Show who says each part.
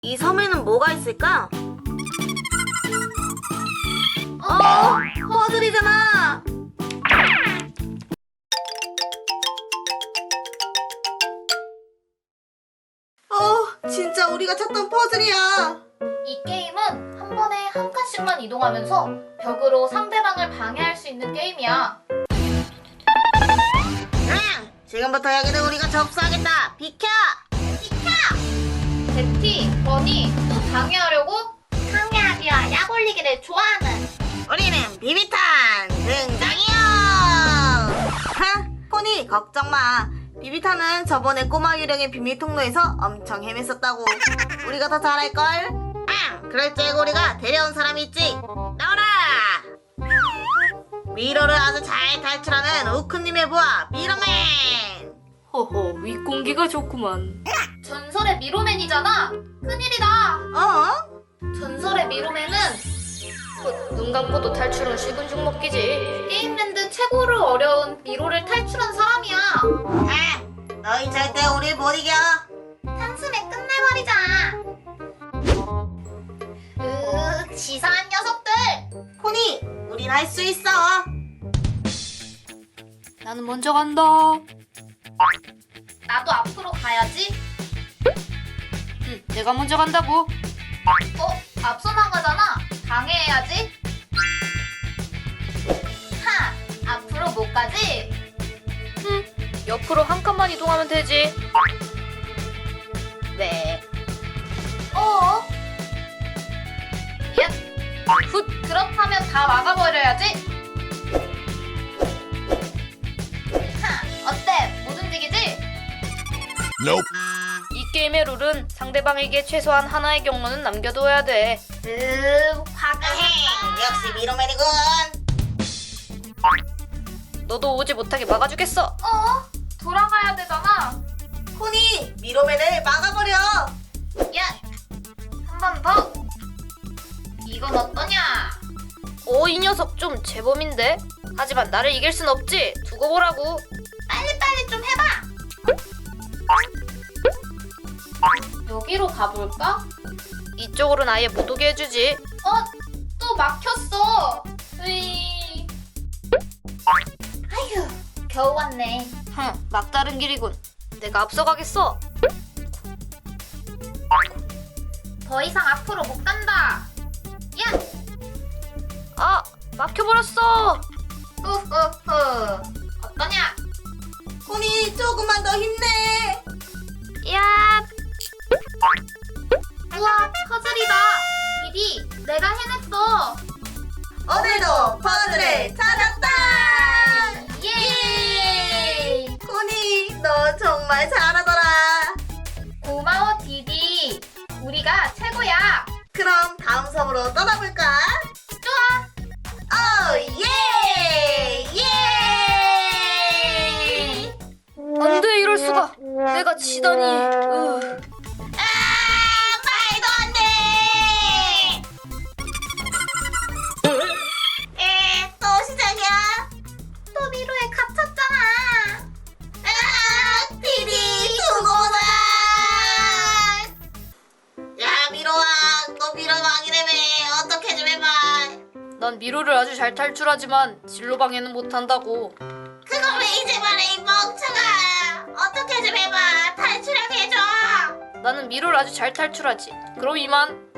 Speaker 1: 이 섬에는 뭐가 있을까? 퍼즐이잖아. 진짜 우리가 찾던 퍼즐이야.
Speaker 2: 이 게임은 한 번에 한 칸씩만 이동하면서 벽으로 상대방을 방해할 수 있는 게임이야.
Speaker 1: 지금부터 여기는 우리가 접수하겠다. 비켜!
Speaker 2: 제티, 버니, 또 방해하려고? 방해하기와 약 올리기를 좋아하는
Speaker 1: 우리는 비비탄 등장이요. 포니 걱정 마. 비비탄은 저번에 꼬마 유령의 비밀 통로에서 엄청 헤맸었다고. 우리가 더 잘할걸? 그럴 줄 알고 우리가 데려온 사람이 있지. 나오라. 미로를 아주 잘 탈출하는 우크님의 부하 미로맨.
Speaker 3: 허허, 윗공기가 좋구만.
Speaker 2: 전설의 미로맨이잖아. 큰일이다. 전설의 미로맨은
Speaker 3: 눈 감고도 탈출은 식은 죽 먹기지.
Speaker 2: 게임랜드 최고로 어려운 미로를 탈출한 사람이야.
Speaker 1: 너희 절대 우릴 못 이겨.
Speaker 2: 한숨에 끝내버리자. 치사한 녀석들.
Speaker 1: 포니, 우린 할 수 있어.
Speaker 3: 나는 먼저 간다.
Speaker 2: 나도 앞으로 가야지.
Speaker 3: 내가 먼저 간다고.
Speaker 2: 앞서 나가잖아. 방해해야지. 앞으로 못 가지?
Speaker 3: 옆으로 한 칸만 이동하면 되지.
Speaker 2: 네. 훗, 그렇다면 다 막아버려야지. 어때? 못 움직이지?
Speaker 3: 이 게임의 룰은 상대방에게 최소한 하나의 경로는 남겨둬야 돼.
Speaker 2: 화가 났다.
Speaker 1: 역시 미로맨이군.
Speaker 3: 너도 오지 못하게 막아주겠어.
Speaker 2: 돌아가야 되잖아.
Speaker 1: 포니, 미로맨을 막아버려.
Speaker 2: 한 번 더. 이건 어떠냐?
Speaker 3: 이 녀석 좀 제법인데? 하지만 나를 이길 순 없지. 두고 보라고.
Speaker 2: 빨리빨리 좀 해봐. 여기로 가볼까?
Speaker 3: 이쪽으로는 아예 못 오게 해주지.
Speaker 2: 또 막혔어. 아휴, 겨우 왔네.
Speaker 3: 막다른 길이군. 내가 앞서가겠어.
Speaker 2: 더 이상 앞으로 못 간다.
Speaker 3: 막혀버렸어.
Speaker 2: 후후후. 어떠냐?
Speaker 1: 포니, 조금만 더 힘내.
Speaker 3: 야,
Speaker 2: 우와, 퍼즐이다. 디디, 내가 해냈어.
Speaker 1: 오늘도 퍼즐을 찾았다.
Speaker 2: 예!
Speaker 1: 포니, 너 정말 잘하더라.
Speaker 2: 고마워, 디디. 우리가 최고야.
Speaker 1: 그럼 다음 섬으로 떠나볼까?
Speaker 2: 좋아.
Speaker 1: 예! 예!
Speaker 3: 안 돼, 이럴 수가. 내가 지다니.
Speaker 1: 말도 안 돼! 또 시작이야.
Speaker 2: 또 미로에 갇혔잖아.
Speaker 1: 디디, 수고다! 야, 미로왕, 너 미로왕이라며. 어떻게 좀 해봐.
Speaker 3: 난 미로를 아주 잘 탈출하지만 진로 방해는 못한다고.
Speaker 1: 그걸 왜 이제 말해, 이 멍청아. 어떻게 좀 해봐. 탈출하게 해줘.
Speaker 3: 나는 미로를 아주 잘 탈출하지. 그럼 이만.